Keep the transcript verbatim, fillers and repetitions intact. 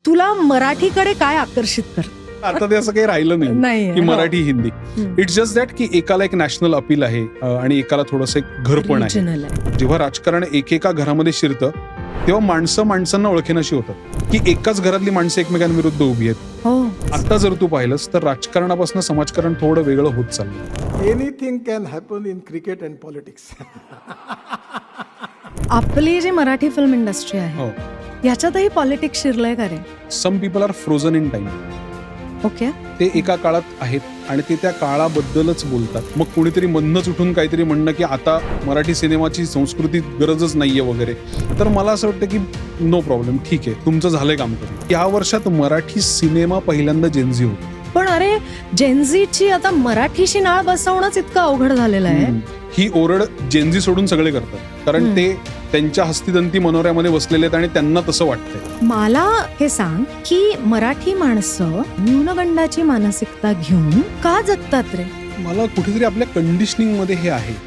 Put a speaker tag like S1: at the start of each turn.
S1: तुला मराठीकडे काय आकर्षित कर?
S2: आता ते असं काही राहिलं नाही
S1: नाही
S2: की Marathi Hindi. It's just that की एकाला एक नॅशनल अपील आहे अं, आणि एकाला थोडंसं एक घरपण आहे.
S1: Regional आहे.
S2: जेव्हा राजकारण एकेका घरामध्ये शिरतं तेव्हा माणसं माणसांना ओळखेनाशी होतात की एकाच घरातली माणसं एकमेकांविरुद्ध उभी आहेत.
S1: हो.
S2: आता जर तू पाहिलंस तर राजकारणापासून समाजकारण थोडं वेगळं होत चाललं.
S3: Anything can happen in cricket and politics.
S1: आपली जी मराठी फिल्म इंडस्ट्री आहे
S2: हो.
S1: याच्यातही पॉलिटिक्स शिरलंय का रे?
S2: Some people are frozen in time.
S1: Okay.
S2: ते एका काळात आहेत आणि ते त्या काळाबद्दलच बोलतात. मग कुणीतरी मधनच उठून काहीतरी म्हणणं की आता मराठी सिनेमाची संस्कृती गरजच नाहीये वगैरे, तर मला असं वाटतं की नो प्रॉब्लेम, ठीक आहे, तुमचं झालंय काम करून. या वर्षात मराठी सिनेमा पहिल्यांदा जेन्झी होतो.
S1: पण अरे जेनझीची आता मराठीशी नाळ बसवणंच इतकं अवघड झालेलं आहे.
S2: ही ओरड जेन्झी सोडून सगळे करतात, कारण
S1: हम्म.
S2: ते त्यांच्या हस्तिदंती मनोऱ्यामध्ये बसलेले आहेत आणि त्यांना तसं वाटतंय.
S1: मला हे सांग की मराठी माणसं न्यूनगंडाची मानसिकता घेऊन का जगतात रे?
S2: मला कुठेतरी आपल्या कंडिशनिंग मध्ये हे आहे